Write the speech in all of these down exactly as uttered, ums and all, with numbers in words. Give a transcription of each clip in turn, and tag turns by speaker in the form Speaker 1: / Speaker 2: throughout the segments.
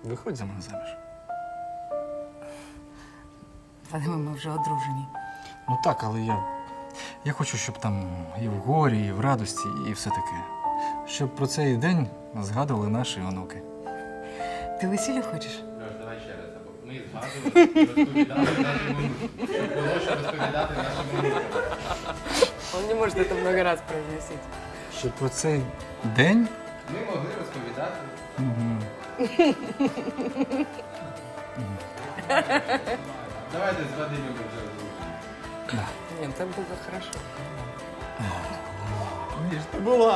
Speaker 1: Виходь за мене заміж.
Speaker 2: Вадиме, ми вже одружені.
Speaker 1: Ну так, але я. Я хочу, щоб там і в горі, і в радості, і все таке. Щоб про цей день згадували наші онуки.
Speaker 2: Ти весілля хочеш?
Speaker 3: Льош, давай ще раз. Ми згадували, розповідали нашому онуку. Було що розповідати нашому онуку.
Speaker 2: Он не може це много раз произносити.
Speaker 1: Щоб про цей день.
Speaker 3: Ми могли розповідати. Давайте з Вадимом вже.
Speaker 2: Ні, це буде хорошо.
Speaker 1: Ніж ти була.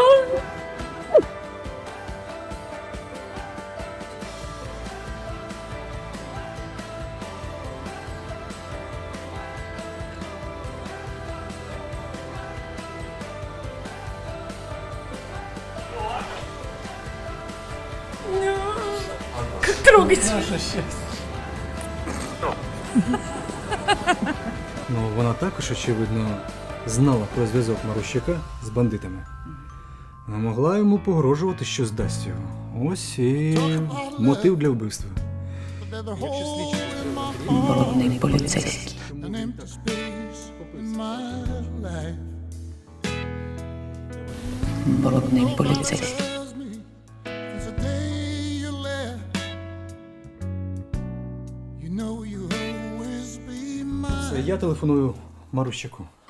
Speaker 2: Как трогать?
Speaker 1: Наше щастя. Ну, вона також, очевидно, знала про зв'язок Марущака з бандитами. Не могла йому погрожувати, що здасть його. Ось і мотив для вбивства.
Speaker 2: Брудний поліцейський. Брудний поліцейський.
Speaker 1: Це я телефоную Марущаку.